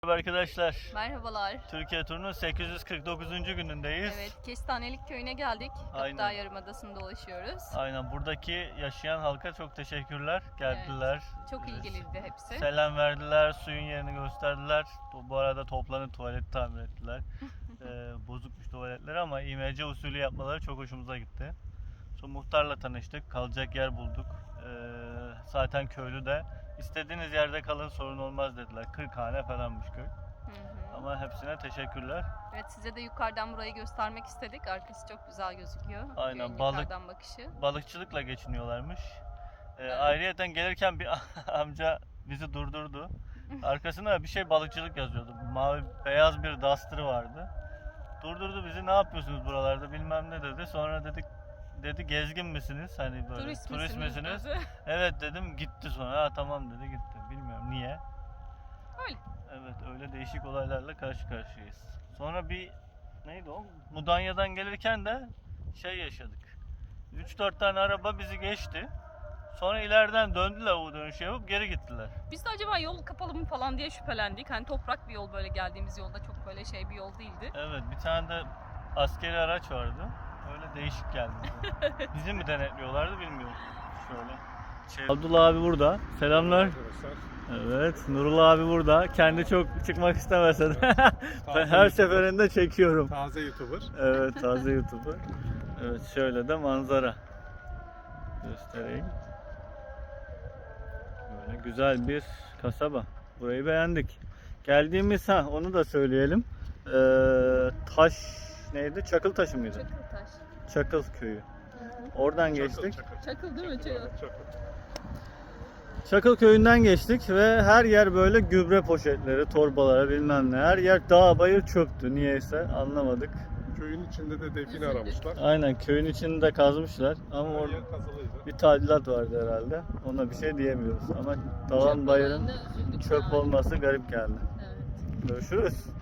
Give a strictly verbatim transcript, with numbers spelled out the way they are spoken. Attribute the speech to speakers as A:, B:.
A: Merhaba arkadaşlar.
B: Merhabalar.
A: Türkiye turunun sekiz yüz kırk dokuzuncu günündeyiz.
B: Evet, Kestanelik köyüne geldik.
A: Aynen.
B: Gökdağ Yarımadası'nda dolaşıyoruz.
A: Aynen, buradaki yaşayan halka çok teşekkürler. Geldiler.
B: Çok ilgiliydi hepsi.
A: Selam verdiler, suyun yerini gösterdiler. Bu bu arada toplanıp tuvalet tamir ettiler. ee, bozukmuş tuvaletleri ama İ M C usulü yapmaları çok hoşumuza gitti. Sonra muhtarla tanıştık, kalacak yer bulduk. Ee, zaten köylü de istediğiniz yerde kalın, sorun olmaz dediler. kırk hane falanmış köy.
B: Hı hı.
A: Ama hepsine teşekkürler.
B: Evet, size de yukarıdan burayı göstermek istedik. Arkası çok güzel gözüküyor.
A: Aynen,
B: Köyün
A: balık-
B: yukarıdan bakışı.
A: Balıkçılıkla geçiniyorlarmış. Ee,
B: Evet.
A: Ayrıyeten gelirken bir amca bizi durdurdu. Arkasına bir şey balıkçılık yazıyordu. Mavi beyaz bir Duster'ı vardı. Durdurdu bizi, ne yapıyorsunuz buralarda bilmem ne dedi. Sonra dedik dedi gezgin misiniz? Hani böyle
B: Turist,
A: turist
B: misiniz?
A: misiniz?
B: dedi.
A: Evet dedim, gitti sonra. Ha tamam dedi, gitti. Bilmiyorum niye.
B: Öyle.
A: Evet, öyle değişik olaylarla karşı karşıyayız. Sonra bir neydi o? Mudanya'dan gelirken de şey yaşadık. üç dört tane araba bizi geçti. Sonra ileriden döndüler, o dönüşü yapıp geri gittiler.
B: Biz de acaba yol kapalı mı falan diye şüphelendik. Hani toprak bir yol, böyle geldiğimiz yolda çok böyle şey bir yol değildi.
A: Evet, bir tane de askeri araç vardı. Öyle değişik geldi bize. Bizi mi denetliyorlardı bilmiyorum. Şöyle. Şey... Abdullah abi burada. Selamlar.
C: Arkadaşlar,
A: Evet, Nurullah abi burada. Kendi çok çıkmak istemese de ben
C: Taze
A: her
C: YouTuber.
A: seferinde çekiyorum.
C: taze YouTuber.
A: Evet, taze YouTuber. Evet, şöyle de manzara göstereyim. Böyle güzel bir kasaba. Burayı beğendik. Geldiğimiz, ha onu da söyleyelim. Ee, taş neydi? Çakıltaşı mıydı?
B: Çakıltaş.
A: Çakıl köyü. Oradan geçtik.
C: Çakıl,
B: Çakıl değil mi?
C: çakıl,
B: Çakıl.
C: evet, çakıl.
A: Çakıl köyünden geçtik ve her yer böyle gübre poşetleri, torbaları bilmem ne. Her yer dağ bayır çöktü. Niyeyse anlamadık.
C: Köyün içinde de define
B: Üzüldük.
C: aramışlar.
A: Aynen, köyün içinde kazmışlar ama
C: Her
A: orada
C: yer kazılıydı.
A: bir tadilat vardı herhalde. Ona bir şey diyemiyoruz ama dağın
B: Çöp
A: bayırın
B: olayında üzüldük
A: çöp
B: yani.
A: olması garip geldi.
B: Evet.
A: Görüşürüz.